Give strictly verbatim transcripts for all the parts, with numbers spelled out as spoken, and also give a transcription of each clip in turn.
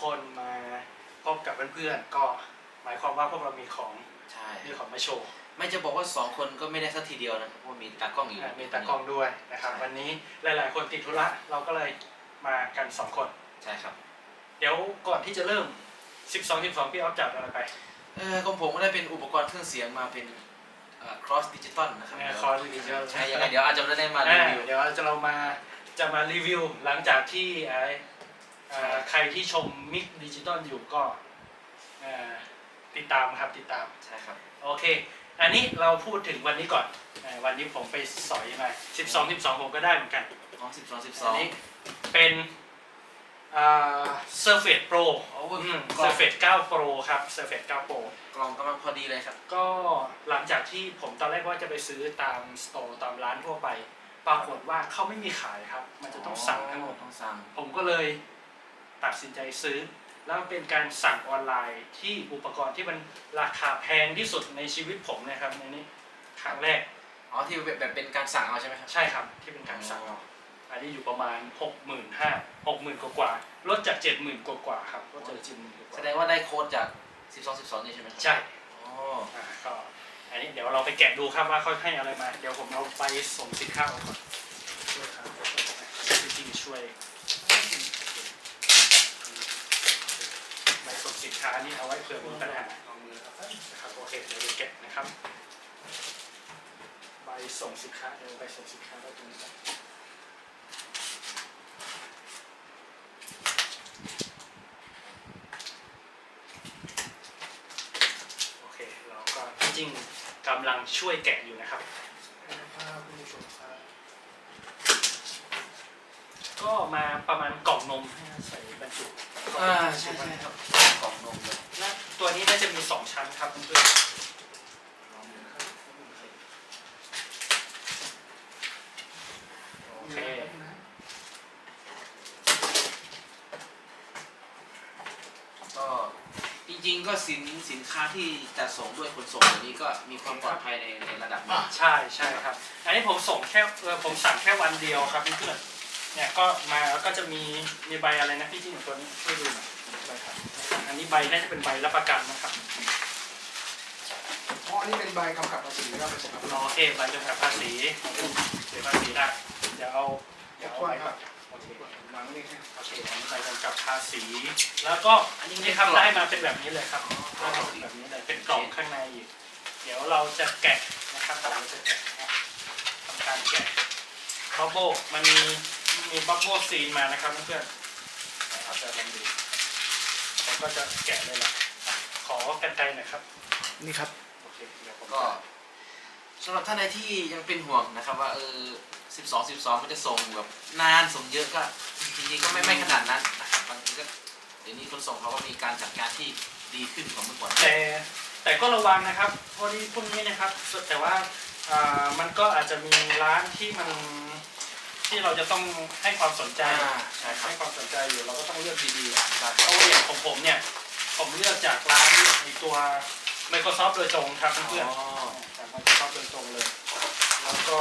คนมาพบกับเพื่อนๆก็หมายความว่าพวกเรามีของใช่มีของมาโชว์ไม่จะบอกว่าสองคนก็ไม่ได้สักทีเดียวนะครับเพราะมีตากล้องอยู่มีตากล้องด้วยนะครับวันนี้หลายๆคนติดธุระเราก็เลยมากันสองคนใช่ครับเดี๋ยวก่อนที่จะเริ่มสิบสอง สิบสองพี่ออฟจับอะไรไปเออของผมก็ได้เป็นอุปกรณ์เครื่องเสียงมาเป็น cross digital นะครับ cross digital ใช่ยังไงเดี๋ยวอาจจะไม่ได้มารีวิวเดี๋ยวจะเรามาจะมารีวิวหลังจากที่ใครที่ชมมิกดิจิตอลอยู่ก็ติดตามครับติดตามใช่ครับโอเคอันนี้เราพูดถึงวันนี้ก่อนวันนี้ผมไปสอยมาสิบสอง สิบสองผมก็ได้เหมือนกันอ๋อสิบสอง สิบสองนี้เป็นอ่า Surface Pro โอ้ Surface เก้า Pro ครับ Surface เก้า Pro กล่องกำลังพอดีเลยครับก็หลังจากที่ผมตอนแรกว่าจะไปซื้อตามสโตร์ตามร้านทั่วไปปรากฏว่าเขาไม่มีขายครับมันจะต้องสั่งทั้งหมดต้องสั่งผมก็เลยตัดสินใจซื้อแล้วเป็นการสั่งออนไลน์ที่อุปกรณ์ที่มันราคาแพงที่สุดในชีวิตผมนะครับในนี้ครั้งแรกอ๋อที่แบบเป็นการสั่งเอาใช่ไหมครับใช่ครับที่เป็นการสั่งเอาอันนี้อยู่ประมาณ หกหมื่นห้าพัน หกหมื่น กว่าๆลดจาก เจ็ดหมื่น กว่าๆครับลดจาก เจ็ดหมื่น กว่าแสดงว่าได้โค้ดจากสิบสอง สิบสองนี่ใช่ไหมครับใช่อ๋ออ่าก็อันนี้เดี๋ยวเราไปแกะดูครับว่าเขาให้อะไรมาเดี๋ยวผมเอาไปส่งสินค้าก่อนช่วยครับจริงๆช่วยใบส่งสินค้านี่เอาไว้เผื่อมีปัญหานะครับโอเคเดี๋ยวแกะนะครับใบส่งสินค้าเดี๋ยวใบส่งสินค้าไว้ตรงนี้โอเคเราก็จริงๆกำลังช่วยแกะอยู่นะครับก็มาประมาณกล่องนมให้ใส่บรรจุอ่าใช่ใช่ครับกล่องนมเลยและตัวนี้น่าจะมีสองชั้นครับเพื่อนโอเคก็จริงๆก็สินสินค้าที่จะส่งด้วยขนส่งตัวนี้ก็มีความปลอดภัยในในระดับนึงใช่ใช่ครับอันนี้ผมส่งแค่เออผมสั่งแค่วันเดียวครับเพื่อนเนี่ยก็มาแล้วก็จะมีมีใบอะไรนะพี่ที่หนึ่งตัวนี้ช่วยดูหน่อยใบครับอันนี้ใบน่าจะเป็นใบรับประกันนะครับเพราะอันนี้เป็นใบกำกับภาษีนะครับอ๋อโอเคใบกำกับภาษีเสียภาษีได้เดี๋ยวเอาเดี๋ยวเอาไปครับโอเควางนี่โอเคอันนี้ใบกำกับภาษีแล้วก็อันนี้ทำได้มาเป็นแบบนี้เลยครับได้มาเป็นแบบนี้เลยเป็นกล่องข้างในอีกเดี๋ยวเราจะแกะนะครับเราจะแกะทำการแกะบับเบิ้ลมันมีมีบับเบิ้ลซีนมานะครับเพื่อนๆเอาจะลองดูผมก็จะแกะเลยละขอกรรไกรหน่อยครับนี่ครับโอเคเดี๋ยวผมก็สำหรับท่านใดที่ยังเป็นห่วงนะครับว่าเออสิบสอง สิบสองมันจะส่งแบบนานส่งเยอะก็จริงๆก็ไม่ไม่ขนาดนั้นนะครับบางทีก็เดี๋ยวนี้คนส่งเขาก็มีการจัดการที่ดีขึ้นกว่าเมื่อก่อนแต่แต่ก็ระวังนะครับพอดีพวกนี้นะครับแต่ว่ามันก็อาจจะมีร้านที่มันที่เราจะต้องให้ความสนใจให้ความสนใจอยู่เราก็ต้องเลือกดีๆเพราะว่าอย่างของผมเนี่ยผมเลือกจากร้านในตัว Microsoft โดยตรงครับเพื่อนๆจาก Microsoft โดยตรงเลยแล้วก็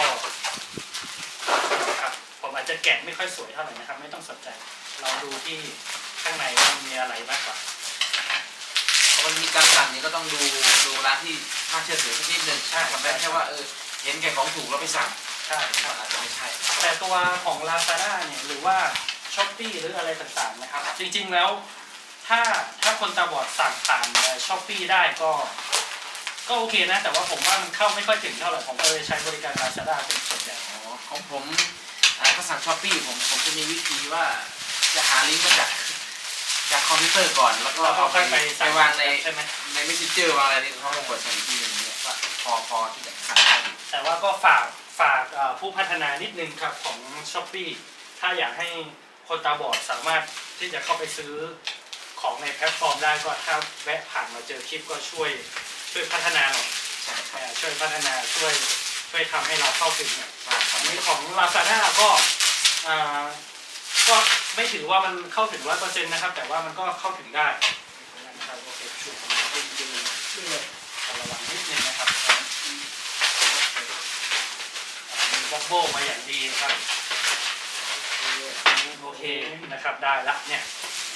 ครับผมอาจจะแกะไม่ค่อยสวยเท่าไหร่นะครับไม่ต้องสนใจเราดูที่ข้างในว่ามีอะไรมากกว่าเพราะมันมีการสั่งนี้ก็ต้องดูดูร้านที่น่าเชื่อถือสักนิดนึงใช่ทำได้แค่ว่าเออเห็นแก่ของถูกแล้วไปสั่งใช่อาจจะไม่ใช่แต่ตัวของ Lazada เนี่ยหรือว่า Shopee หรืออะไรต่างๆนะครับจริงๆแล้วถ้าถ้าคนตาบอดสั่งผ่าน Shopee ได้ก็ก็โอเคนะแต่ว่าผมว่ามันเข้าไม่ค่อยถึงเท่าไหร่ผมก็เลยใช้บริการ Lazada เป็นส่วนใหญ่อ๋อของผมถ้าสั่ง Shopee ผมผมจะมีวิธีว่าจะหาลิงก์มาจากจากคอมพิวเตอร์ก่อนแล้วก็เอาไปไปวางในใน Messenger วางอะไรนี่เขาลงกดสั่งอีกทีนึงเนี่ยว่าพอพอที่จะสั่งได้แต่ว่าก็ฝากฝากผู้พัฒนานิดนึงครับของ Shopee ถ้าอยากให้คนตาบอดสามารถที่จะเข้าไปซื้อของในแพลตฟอร์มได้ก็ถ้าแวะผ่านมาเจอคลิปก็ช่วยช่วยพัฒนาหน่อยใช่ช่วยพัฒนาช่วยช่วยทำให้เราเข้าถึงเนี่ยอันนี้ของ Lazada ก็ก็ไม่ถือว่ามันเข้าถึง ร้อยเปอร์เซ็นต์ นะครับแต่ว่ามันก็เข้าถึงได้นะครับโอเคช่วยให้ดูช่วยระวังนิดนึงนะครับมีบ็อกโบมาอย่างดีครับโอเคนะครับได้ละเนี่ย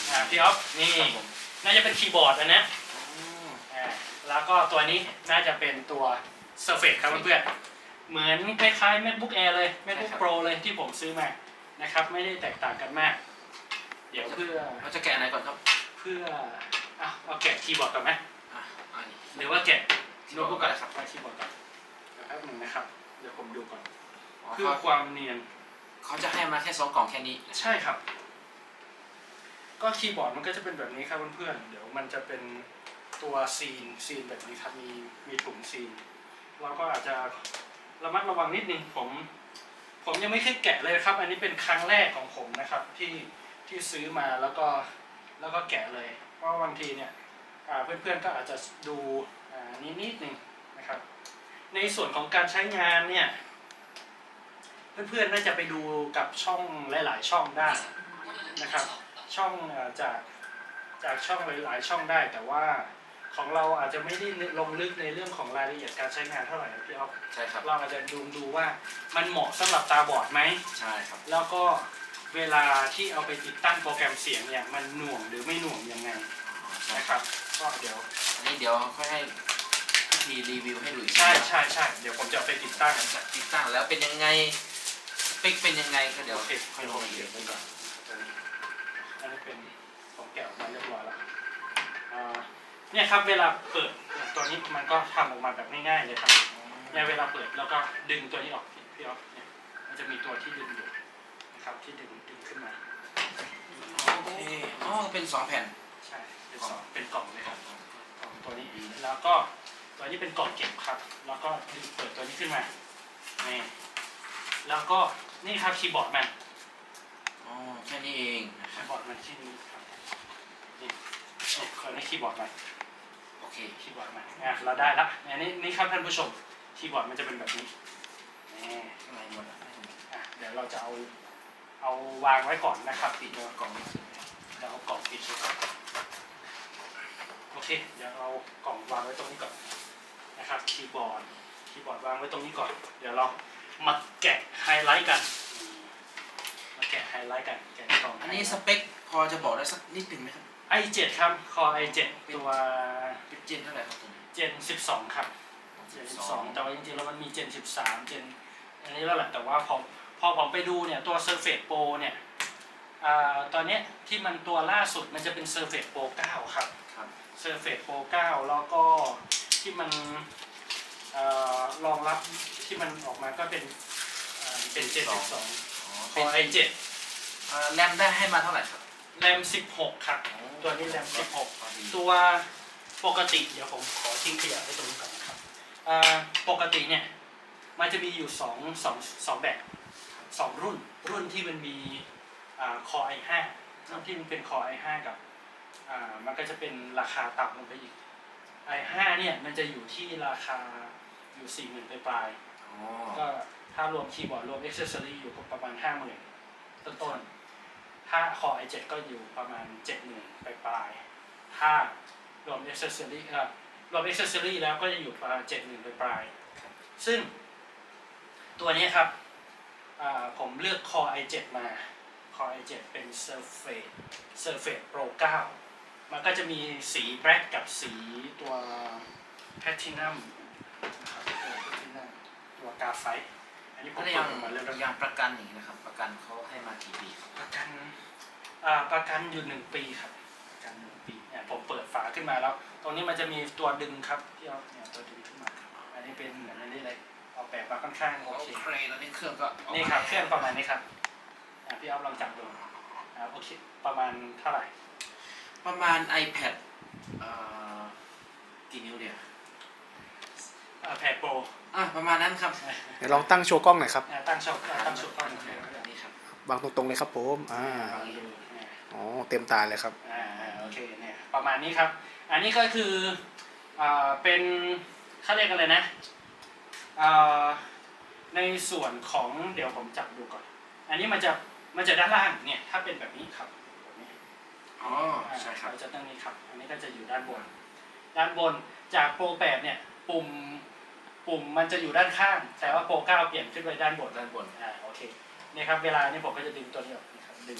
อ่าพี่ออฟนี่ครับผมน่าจะเป็นคีย์บอร์ดนะนะอืมอ่าแล้วก็ตัวนี้น่าจะเป็นตัว Surface ครับเพื่อนๆเหมือนคล้ายๆ MacBook Air เลย MacBook Pro เลยที่ผมซื้อมานะครับไม่ได้แตกต่างกันมาก เดี๋ยวเพื่อเราจะแกะอะไรก่อนครับเพื่ออ่ะเอาแกะคีย์บอร์ดก่อนไหมอ่ะอันนี้หรือว่าแกะโน้ตบุ๊กก่อนครับไปคีย์บอร์ดก่อนเดี๋ยวแป๊บนึงนะครับเดี๋ยวผมดูก่อนอ๋อเพื่อเขาความเนียนเขาจะให้มาแค่สองกล่องแค่นี้ใช่ครับ ก็คีย์บอร์ดมันก็จะเป็นแบบนี้ครับเพื่อนๆเดี๋ยวมันจะเป็นตัวซีนซีนแบบนี้ครับมีมีปุ่มซีนเราก็อาจจะระมัดระวังนิดนึงผม ผมยังไม่เคยแกะเลยครับ อันนี้เป็นครั้งแรกของผมนะครับที่ที่ซื้อมาแล้วก็แล้วก็แกะเลย เพราะบางทีเนี่ยอ่าเพื่อนๆก็อาจจะดูอ่านิดนิดนึงนะครับ ในส่วนของการใช้งานเนี่ยเพื่อนๆน่าจะไปดูกับช่องหลายๆช่องได้นะครับ ช่องเอ่อจากจากช่องหลายๆช่องได้ แต่ว่าของเราอาจจะไม่ได้ลงลึกในเรื่องของรายละเอียดการใช้งานเท่าไหร่นะพี่อ๊อฟใช่ครับเราอาจจะดูดูว่ามันเหมาะสำหรับตาบอดไหมใช่ครับแล้วก็เวลาที่เอาไปติดตั้งโปรแกรมเสียงเนี่ยมันหน่วงหรือไม่หน่วงยังไงอ๋อใช่นะคครับ รับก็เดี๋ยวอันนี้เดี๋ยวค่อยให้พิธีรีวิวให้ดูอีกทีใช่ใช่ใช่เดี๋ยวผมจะเอาไปติดตั้งจะติดตั้งแล้วเป็นยังไงสเปคเป็นยังไงก็เดี๋ยวโอเคค่อยลงรายละเอียดกันก่อนอันนี้เป็นของแกะออกมาเรียบร้อยแล้วอ่าเนี่ยครับเวลาเปิดเนี่ยตัวนี้มันก็ทำออกมาแบบง่ายๆเลยครับเนี่ยเวลาเปิดแล้วก็ดึงตัวนี้ออกพี่พี่ออฟเนี่ยมันจะมีตัวที่ดึงอยู่นะครับที่ดึงดึงขึ้นมาโอเคอ๋อเป็นสองแผ่นใช่เป็นสองเป็นกล่องเลยครับกล่องตัวนี้แล้วก็ตัวนี้เป็นกล่องเก็บครับ แล้วก็ดึงเปิดตัวนี้ขึ้นมานี่แล้วก็นี่ครับคีย์บอร์ดมันอ๋อแค่นี้เองนะคคีรับย์บอร์ดมันที่นี่ครับนี่นี่ตัวนี้คีย์บอร์ดมันโอเคคีย์บอร์ดมันอ่ะเราได้ละอันนี้นี่ครับท่านผู้ชมคีย์บอร์ดมันจะเป็นแบบนี้นี่ข้างในหมดแล้วอ่ะเดี๋ยวเราจะเอาเอาวางไว้ก่อนนะครับปิดตัวกล่องนี้เดี๋ยวเอากล่องปิดไว้ก่อนโอเคเดี๋ยวเอากล่องวางไว้ตรงนี้ก่อนนะครับคีย์บอร์ดคีย์บอร์ดวางไว้ตรงนี้ก่อน เดี๋ยวเรามาแกะไฮไลท์กันอืมมาแกะไฮไลท์กันแกะกล่องอันนี้สเปคพอจะบอกได้สักนิดหนึ่งไหมครับไอเจ็ดครับคอ ไอ เจ็ด ตัวเป็นเจนเท่าไหร่ครับตัวนี้เจนสิบสองครับเจนสิบสองแต่ว่าจริงๆแล้วมันมีเจนสิบสามเจนอันนี้แล้วแหละแต่ว่าพอพอผมไปดูเนี่ยตัว Surface Pro เนี่ยอ่าตอนเนี้ยที่มันตัวล่าสุดมันจะเป็น Surface Pro เก้าครับครับ Surface Pro เก้าแล้วก็ที่มันเอ่อรองรับที่มันออกมาก็เป็นเอ่อเป็นเจนสิบสองอ๋อคเป็อน ไอเจ็ดเอ่อแรมได้ให้มาเท่าไหร่ครับแรมสิบหกครับตัวนี้แรมสิบหกพอดีตัวปกติเดี๋ยวผมขอทิ้งขยะไว้ตรงนี้ก่อนนะครับอ่าปกติเนี่ยมันจะมีอยู่สองสองสองแบบสองรุ่นรุ่นที่มันมีอ่า Core ไอ ไฟว์ รุ่นที่มันเป็น Core ไอ ไฟว์ กับอ่ามันก็จะเป็นราคาต่ำลงไปอีก ไอ ไฟว์ เนี่ยมันจะอยู่ที่ราคาอยู่สี่หมื่นปลายอ๋อๆก็ถ้ารวมคีย์บอร์ดรวมอ็อกเซสซอรี่อยู่ประมาณห้าหมื่นต้นๆถ้า Core ไอ เซเว่น ก็อยู่ประมาณเจ็ดหมื่นปลายๆถ้ารวมอ็อกเซสซอรี่เอ่อรวมอ็อกเซสซอรี่แล้วก็จะอยู่ประมาณเจ็ดหมื่นปลายๆซึ่งตัวนี้ครับอ่าผมเลือก Core ไอ เซเว่น มา Core ไอ เซเว่น เป็น Surface Surface Pro เก้า มันก็จะมีสีแบล็กกับสีตัวแพลทินัมนะครับตัวแพลทินัมตัวกาไฟต์อันนี้ผมแล้วเปิยัดงออกมาเรียบร้อยยังประกันอย่างนี้นะครับ ประกันเขาให้มากี่ปีครับประกันอ่าประกันอยู่หนึ่งปีครับประกันหนึ่งปีเนี่ยผมเปิดฝาขึ้นมาแล้ว ตรงนี้มันจะมีตัวดึงครับที่เอาเนี่ยตัวดึงขึ้นมาครับอันนี้เป็นเหมือนอันนี้เลยเอาแบบมาค่อนข้างโอโอเคเคตอนนี้เครื่องก็ออกมานี่ครับเครื่องประมาณนี้ครับอ่าพี่เอาลองจับดูอ่าโอเคประมาณเท่าไหร่ประมาณ iPad เอ่อกี่นิ้วเดียวอ่าแพดโปรอ่ะประมาณนั้นครับเดี๋ยวลองตั้งโชว์กล้องหน่อยครับอ่าตั้งช่องอ่าตั้งช่องตั้งช่องแบบนี้ครับวางตรงๆเลยครับผมอ่าลองดูอ่าอ๋อเต็มตาเลยครับอ่าโอเคเนี่ยประมาณนี้ครับ อันนี้ก็คืออ่าเป็นเขาเรียกอะไรนะอ่าในส่วนของเดี๋ยวผมจับดูก่อน อันนี้มันจะมันจะด้านล่างเนี่ยถ้าเป็นแบบนี้ครับแบบนี้อ๋อใช่ครับเราจะตั้งนี้ครับ อันนี้ก็จะอยู่ด้านบน ด้านบนจากโปรแปดเนี่ยปุ่มปุ่มมันจะอยู่ด้านข้าง แต่ว่าโปรเก้าเปลี่ยนขึ้นไปด้านบนด้านบนอ่าโอเคเนี่ยครับเวลานี่ผมก็จะดึงตัวนี้ออกนะครับดึง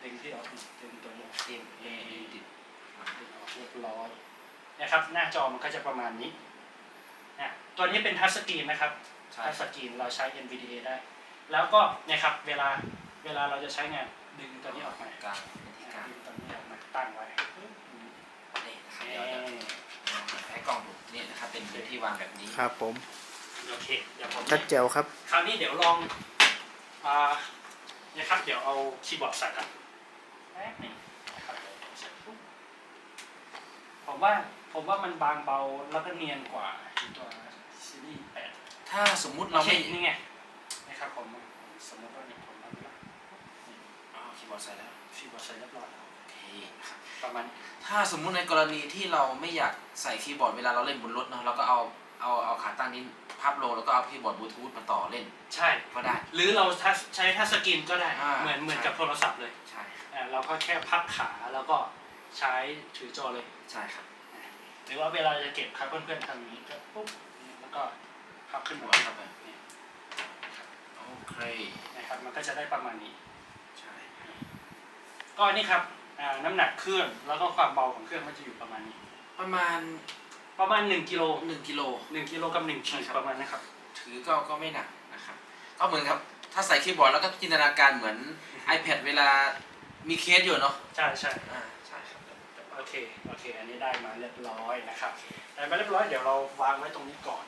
ดึงที่ออกดึงตัวนี้เอ็มเอดิดดึงออกเรียบร้อยนะครับหน้าจอมันก็จะประมาณนี้นะตัวนี้เป็นทัชสกรีนนะครับใช่ทัชสกรีนเราใช้ เอ็น วี ดี เอ ได้ แล้วก็เนี่ยครับเวลาเวลาเราจะใช้งานดึงตัวนี้ออกมากลางเป็นที่กลางดึงตัวนี้ออกมาตั้งไว้นี่นะครับเดี๋ยวจะให้กล้องดูนี่นะครับเป็นพื้นที่วางแบบนี้ครับผมโอเคเดี๋ยวผมชัดแจ๋วครับคราวนี้เดี๋ยวลองอ่าเนี่ยครับเดี๋ยวเอาคีย์บอร์ดใส่กันแป๊บหนึงนะครับเดี๋ยวผมใส่ปุ๊บผมว่าผมว่ามันบางเบาแล้วก็เนียนกว่าตัวซีรีส์แปดถ้าสมมุติเราเราไม่ไม่นี่ไงนะครับผมสมมติว่านี่ผมเอาไปละอ๋อคีย์บอร์ดใส่แล้วคีย์บอร์ดใส่เรียบร้อยแล้วโอเคครับประมาณถ้าสมมุติในกรณีที่เราไม่อยากใส่คีย์บอร์ดเวลาเราเล่นบนรถเนาะเราก็เอาเอาเอาขาตั้งนี้พับลงแล้วก็เอาคีย์บอร์ดบลูทูธมาต่อเล่นใช่ก็ได้หรือเราทัชใช้ทัชสกรีนก็ได้อ่าเหมือนเหมือนใช่กับโทรศัพท์เลยใช่อ่าเราก็แค่พับขาแล้วก็ใช้ถือจอเลยใช่ครับหรือว่าเวลาจะเก็บครับเพื่อนๆทำอย่างนี้ก็ปุ๊บแล้วก็พับขึ้นหัหัววเข้าไปโอเคนะครับมันก็จะได้ประมาณนี้ใช่ก็นี่ครับอ่าน้ำหนักเครื่องแล้วก็ความเบาของเครื่องมันจะอยู่ประมาณนี้ประมาณประมาณหนึ่งกิโลหนึ่งกิโลหนึ่งกิโลกับหนึ่งขีดใช่ครับประมาณนะครับถือก็ก็ไม่หนักนะครับก็เหมือนครับถ้าใส่คีย์บอร์ดแล้วก็จินตนาการเหมือน iPad เวลามีเคสอยู่เนาะใช่ใช่อ่าใช่ครับโอเคโอเค อันนี้ได้มาเรียบร้อยนะครับได้มาเรียบร้อยเดี๋ยวเราวางไว้ตรงนี้ก่อน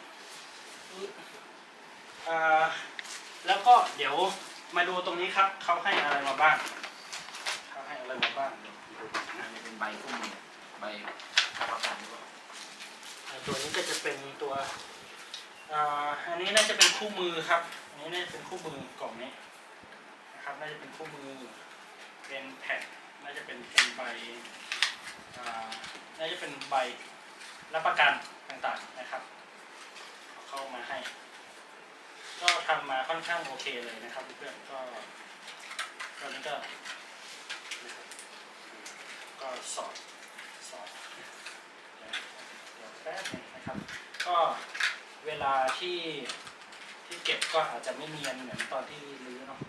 อ่าแล้วก็เดี๋ยวมาดูตรงนี้ครับเขาให้อะไรมาบ้างเขาให้อะไรมาบ้างเดี๋ยวดูอันะนนี้เป็นใบกุ้งเนี่ยใบรับประกันหรือเปล่าอ่าตัวนี้ก็จะเป็นตัวอ่าอันนี้น่าจะเป็นคู่มือครับอันนี้น่าจะเป็นคู่มือกล่องนี้นะครับน่าจะเป็นคู่มือเป็นแผ่นน่าจะเป็นเป็นใบอ่าน่าจะเป็นใบรับประกันต่างๆนะครับเอาเข้ามาให้ ก็ทำมาค่อนข้างโอเคเลยนะครับเพื่อนๆก็ตอนนี้ก็นะครับก็สอดสอดเดี๋ยวแป๊บนึงนะครับ ก็เวลาที่ที่เก็บก็อาจจะไม่เนียนเหมือนตอนที่รื้อเนาะ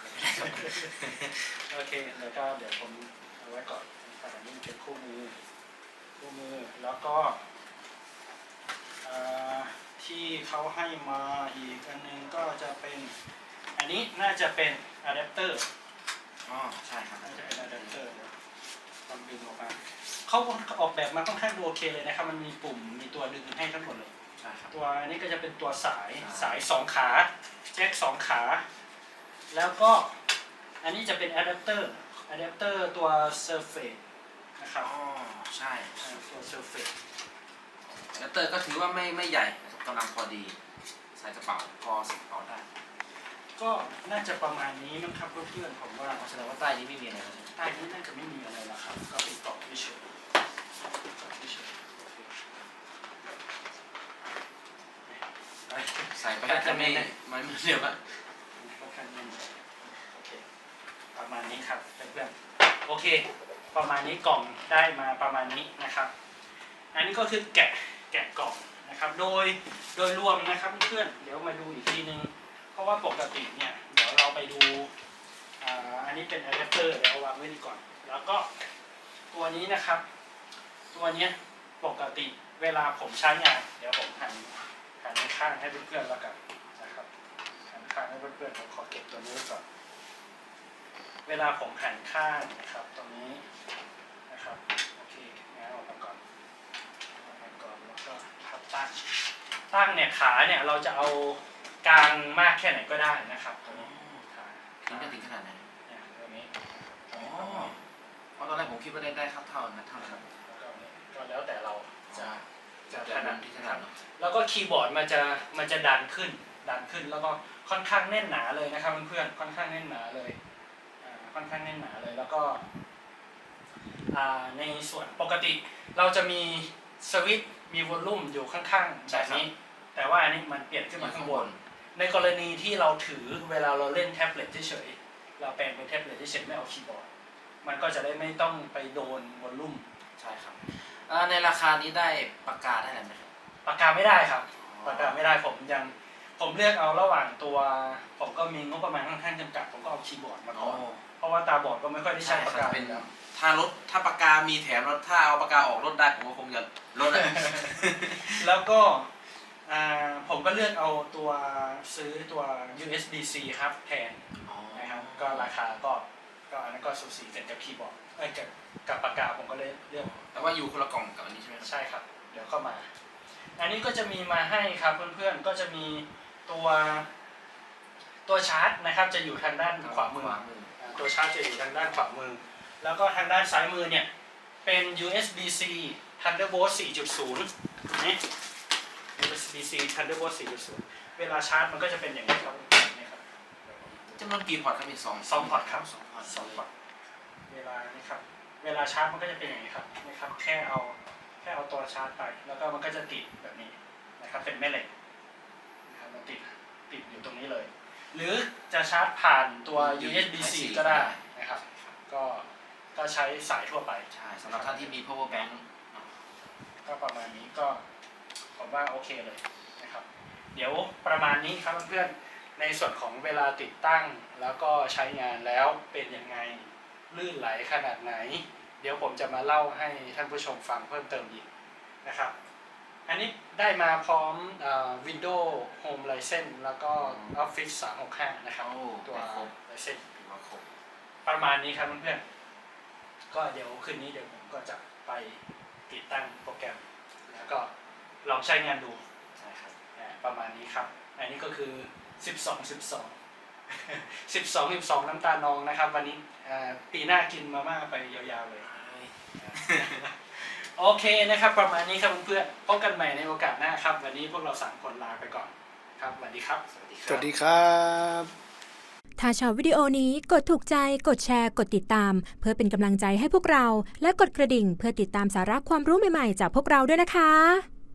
โอเคแล้วก็เดี๋ยวผมเอาไว้ก่อนนะครับอันนี้เป็นคู่มือคู่มือแล้วก็อ่าที่เขาให้มาอีกอันนึงก็จะเป็นอันนี้น่าจะเป็นอะแดปเตอร์อ๋อใช่ครับน่าจะเป็นอะแดปเตอร์เดี๋ยวลองดึงออกมาเขาออกแบบมาค่อนข้างดูโอเคเลยนะครับมันมีปุ่มมีตัวดึงให้ทั้งหมดเลยใช่ครับตัวนี้ก็จะเป็นตัวสายอ่าสายสองขาแจ็คสองขา แล้วก็อันนี้จะเป็นอะแดปเตอร์อะแดปเตอร์ตัว Surface นะครับอ๋อใช่อ่าตัว Surface แอดเตอร์ก็ถือว่าไม่ไม่ใหญ่นะครับกำลังพอดีใส่กระเป๋าพอใส่กระเป๋าได้ก็น่าจะประมาณนี้มั้งครับเพื่อนๆผมว่าแสดงว่าใต้นี้ไม่มีอะไรแล้วใช่ไหมใต้นี้น่าจะไม่มีอะไรแล้วครับก็เป็นกล่องเฉยๆกล่องเฉยๆโอเคไปใส่ไปแล้วจะไม่มันไม่เดี๋ยวอะค่อนข้างแน่นโอเคประมาณนี้ครับเพื่อนๆโอเค ประมาณนี้กล่องได้มาประมาณนี้นะครับ อันนี้ก็คือแกะแกะกล่องนะครับ โดยโดยรวมนะครับเพื่อนๆเดี๋ยวมาดูอีกทีนึง เพราะว่าปกติเนี่ยเดี๋ยวเราไปดูอ่าอันนี้เป็นอะแดปเตอร์เดี๋ยวเอาวางไว้นี่ก่อน แล้วก็ตัวนี้นะครับ ตัวเนี้ยปกติเวลาผมใช้งานเดี๋ยวผมหันหันข้างให้เพื่อนๆแล้วกันนะครับหันข้างให้เพื่อนๆผมขอเก็บตัวนี้ไว้ก่อน เวลาผมหันข้างนะครับตรงนี้นะครับโอเคงั้นออกมาก่อนออกมาก่อนแล้วก็พับตั้งตั้งเนี่ยขาเนี่ยเราจะเอากลางมากแค่ไหนก็ได้นะครับตรงนี้ขาถึงจะถึงขนาดไหนเนี่ยตรงนี้อ๋อเพราะตอนแรกผมคิดว่าได้ได้ครับเท่านั้นเท่านั้นครับแล้วก็เนี่ยก็แล้วแต่เราจะจะจะจะถถนันัดดที่ถคนัรัดบเนาะแล้วก็คีย์บอร์ดมันจะมันจะดันขึ้นดันขึ้นแล้วก็ค่อนข้างแน่นหนาเลยนะครับเพื่อนๆค่อนข้างแน่นหนาเลยอ่าค่อนข้างแน่นหนาเลยแล้วก็อ่าในส่วนปกติเราจะมีสวิตช์มีวอลลุ่มอยู่ข้างๆแบบนี้ แต่ว่าอันนี้มันเปลี่ยนขึ้นมาข้างบน ในกรณีที่เราถือเวลาเราเล่นแท็บเล็ตเฉยๆเราแปลงเป็นแท็บเล็ตเฉยๆไม่เอาคีย์บอร์ดมันก็จะได้ไม่ต้องไปโดนวอลลุ่มใช่ครับเอ่อในราคานี้ได้ปากกาได้อะไรไหมครับปากกาไม่ได้ครับปากกาไม่ได้ผมยังผมเลือกเอาระหว่างตัวผมก็มีงบประมาณค่อนข้างจำกัดผมก็เอาคีย์บอร์ดมาอ๋ก่ออนเพราะว่าตาบอดก็ไม่ค่อยได้ใช้ใช่ปากครับกาเป็นอยู่แล้วถ้ารถถ้าปากกามีแถมรถถ้าเอาปากกาออกรถได้ผมก็คงจะลดอะแล้วก็อ่าผมก็เลือกเอาตัวซื้อตัว ยู เอส บี ซี ครับแทนนะครับก็ราคาก็ก็อันนั้นก็สูสีกันกับคีย์บอร์ดเอ้ยกับกับปากกาผมก็เลยเลือกแต่ว่าอยู่คนละกล่องกับอันนี้ใช่ไหมครับใช่ครับเดี๋ยวเข้ามา อันนี้ก็จะมีมาให้ครับเพื่อนๆก็จะมีตัวตัวชาร์จนะครับจะอยู่ทางด้านขวามือขวามืออ่าตัวชาร์จจะอยู่ทางด้านขวามือ แล้วก็ทางด้านซ้ายมือเนี่ยเป็น ยู เอส บี ซี Thunderbolt สี่จุดศูนย์ นี่ ยู เอส บี ซี Thunderbolt สี่จุดศูนย์ เวลาชาร์จมันก็จะเป็นอย่างนี้ครับนี่ครับจำนวนกี่พอร์ตครับมีสองสองพอร์ตครับสองพอร์ตสองพอร์ตเวลานี่ครับเวลาชาร์จมันก็จะเป็นอย่างนี้ครับนะครับแค่เอาแค่เอาตัวชาร์จไป แล้วก็มันก็จะติดแบบนี้นะครับเป็นแม่เหล็กนะครับมันติดติดอยู่ตรงนี้เลย หรือจะชาร์จผ่านตัว ยู เอส บี ซี ก็ได้นะครับก็ก็ใช้สายทั่วไปใช่สำหรับท่านที่มี power bank ก็ประมาณนี้ก็ผมว่าโอเคเลยนะครับเดี๋ยวประมาณนี้ครับเพื่อนๆในส่วนของเวลาติดตั้งแล้วก็ใช้งานแล้วเป็นยังไงลื่นไหลขนาดไหน เดี๋ยวผมจะมาเล่าให้ท่านผู้ชมฟังเพิ่มเติมอีกนะครับอันนี้ได้มาพร้อมเอ่อ Windows Home License แล้วก็ Office สามหกห้านะครับโอ้ตัวครบ License ถือว่าครบประมาณนี้ครับเพื่อนๆก็เดี๋ยวคืนนี้เดี๋ยวผมก็จะไปติดตั้งโปรแกรมแล้วก็ลองใช้งานดูใช่ครับอ่าประมาณนี้ครับ อันนี้ก็คือ สิบสอง สิบสอง สิบสอง สิบสอง น้ำตาลนองนะครับ วันนี้อ่าปีหน้ากินมาม่าไปยาวๆเลย โอเคนะครับ ประมาณนี้ครับเพื่อนๆพบกันใหม่ในโอกาสหน้าครับ วันนี้พวกเราสามคนลาไปก่อนครับสวัสดีครับสวัสดีคสรับวัสดีครับถ้าชอบวิดีโอนี้กดถูกใจ กดแชร์ กดติดตาม เพื่อเป็นกำลังใจให้พวกเรา และกดกระดิ่งเพื่อติดตามสาระความรู้ใหม่ๆจากพวกเราด้วยนะคะ